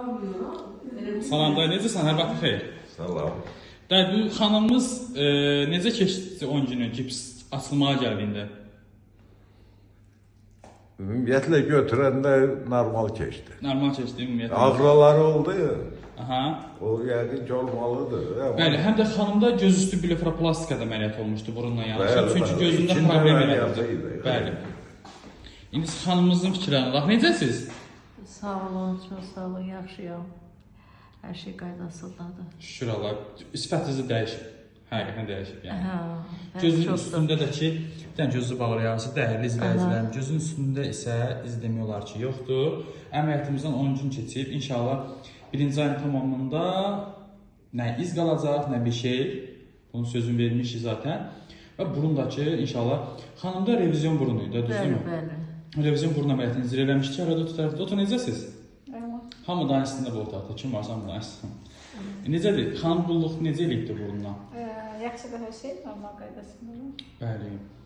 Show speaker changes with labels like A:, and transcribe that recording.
A: Salam dayı, necəsən? Hər vaxt xeyir.
B: Salam.
A: Dayı, bu xanımımız necə keçdi 10 günü gips açılmağa gəldiyində?
B: Ümumiyyətlə götürəndə normal keçdi.
A: Normal keçdi ümumiyyətlə.
B: Ağrıları oldu ya.
A: Aha.
B: O yəqin ki olmalıdır.
A: Bəli, həm də xanımda gözüstü blefaroplastikada əməliyyat olmuşdu burunla yanaşı.
B: Bəli,
A: Çünki
B: bəli.
A: gözündə
B: İçində
A: problem
B: əməliyyatı
A: yaratdı.
B: idi.
A: Bəli. İndi xanımımızın fikirlərinə bax, necəsiz?
C: Sağ olun, çox sağ olun, yaxşıyam. Hər şey qaydasındadır.
A: Şükür Allah. Sifətinizi dəyişib. Həqiqətən dəyişib yəni. Gözün
C: çoxdur.
A: üstündə də ki, bir dənə gözü bağlayarsa dəyərli izləyicilərim. Gözün üstündə isə iz demək olar ki, yoxdur. Əməliyyatımızdan 10 gün keçib. İnşallah birinci ayın tamamında nə iz qalacaq, nə bir şey. Bunun sözünü vermişik zaten. Və burundakı inşallah xanımda revizyon burunuydu, düzdürmü?
C: Bəli.
A: Revizyon burun əməliyyatını necə eləmişdik, arada tutardı. Otur, necəsiz? Hamı da üstündə bu otaqda. Kim varsa hamı da üstündə. Necədir? Xanım qulluq necə eləyibdir burundan?
D: Yaxşıdır hər şey, normal qaydasındadır.
A: Bəli.